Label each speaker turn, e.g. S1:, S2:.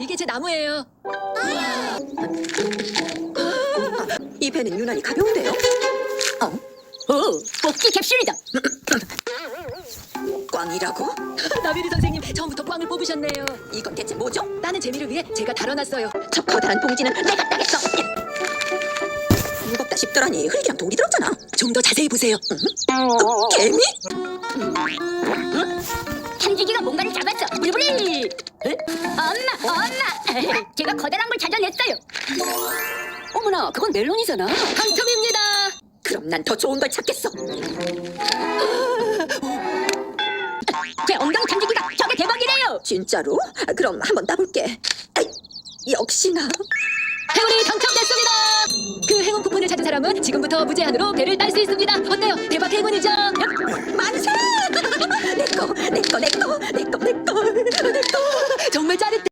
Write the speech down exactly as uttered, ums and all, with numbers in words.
S1: 이게 제 나무예요.
S2: 이 배는 유난히 가벼운데요? 어?
S3: 오, 뽑기 캡슐이다.
S2: 꽝이라고?
S1: 나비리 선생님 처음부터 꽝을 뽑으셨네요.
S2: 이건 대체 뭐죠?
S1: 따는 재미를 위해 제가 다뤄놨어요.
S2: 저 커다란 봉지는 내가 따겠어. 무겁다 싶더라니 흙이랑 돌이 들었잖아.
S1: 좀 더 자세히 보세요.
S2: 개미?
S3: 탐지기가 뭔가를 잡았어. 부리부리. 에? 엄마, 엄마. 제가 커다란 걸 찾아냈어요.
S2: 어머나 그건 멜론이잖아.
S1: 당첨입니다.
S2: 그럼 난 더 좋은 걸 찾겠어.
S3: 제 엉덩이 탐지기가 저게 대박이래요.
S2: 진짜로? 그럼 한번 따볼게. 아이, 역시나.
S1: 행운이 당첨됐습니다. 그 행운 쿠폰을 찾은 사람은 지금부터 무제한으로 배를 딸 수 있습니다. 어때요? 대박 행운이죠?
S2: 만세! 내꺼 내꺼 내꺼 내꺼 내꺼 내꺼
S1: 정말 짜릿해.